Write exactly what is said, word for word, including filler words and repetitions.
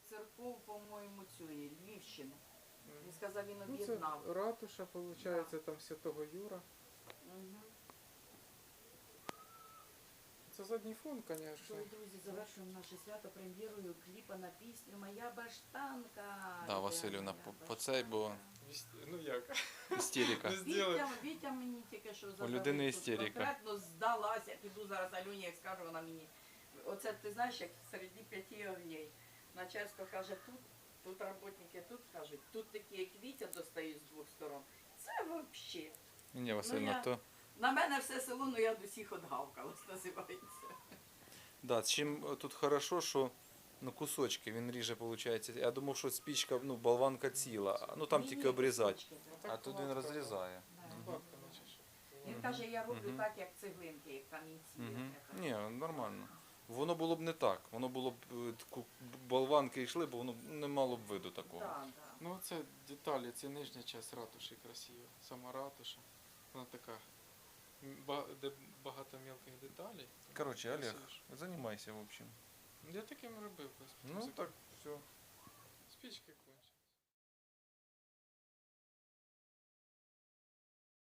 церков, по-моєму, цієї Львівщини. Він сказав, він Ну, об'єднав. це ратуша, виходить, Да. там Святого Юра. Угу. Це задній фон, Що, звісно. друзі, завершуємо наше свято прем'єрою кліпа на пісню «Моя баштанка». Да, Василівна, по, по цей, бо Ну як? істерика. Вітя, Вітя мені тільки що задали. людини тут істерика. Конкретно здалася, піду зараз Альоні, як скажу, вона мені. Оце ти знаєш, як серед п'яти огней. Начальство каже тут, тут роботники тут кажуть, тут такі як Вітя достають з двох сторон. Це взагалі. Ні, Василівна, Ну, я- то... На мене все село, ну я до всіх отгавкалась, називається. Да, чим тут хорошо, що ну, кусочки він ріже, виходить. Я думав, що спічка, ну, болванка ціла, ну там Ні, тільки ні, обрізати. кусочки, А так тут він гладко. розрізає. Да. Бабка, наче. Він каже, я роблю Мгм. так, як цеглинки, як камінці. Угу. як це. Ні, нормально. Воно було б не так. Воно було б е, ку- болванки йшли, бо воно не мало б виду такого. Да, да. Ну це деталі, це нижня частина ратуші красива. Сама ратуша. Вона така, м, ба- де багато мілких деталей. Коротше, Олег, Красивіше. займайся, в общем. Я таким робив. без Ну музики. так, все.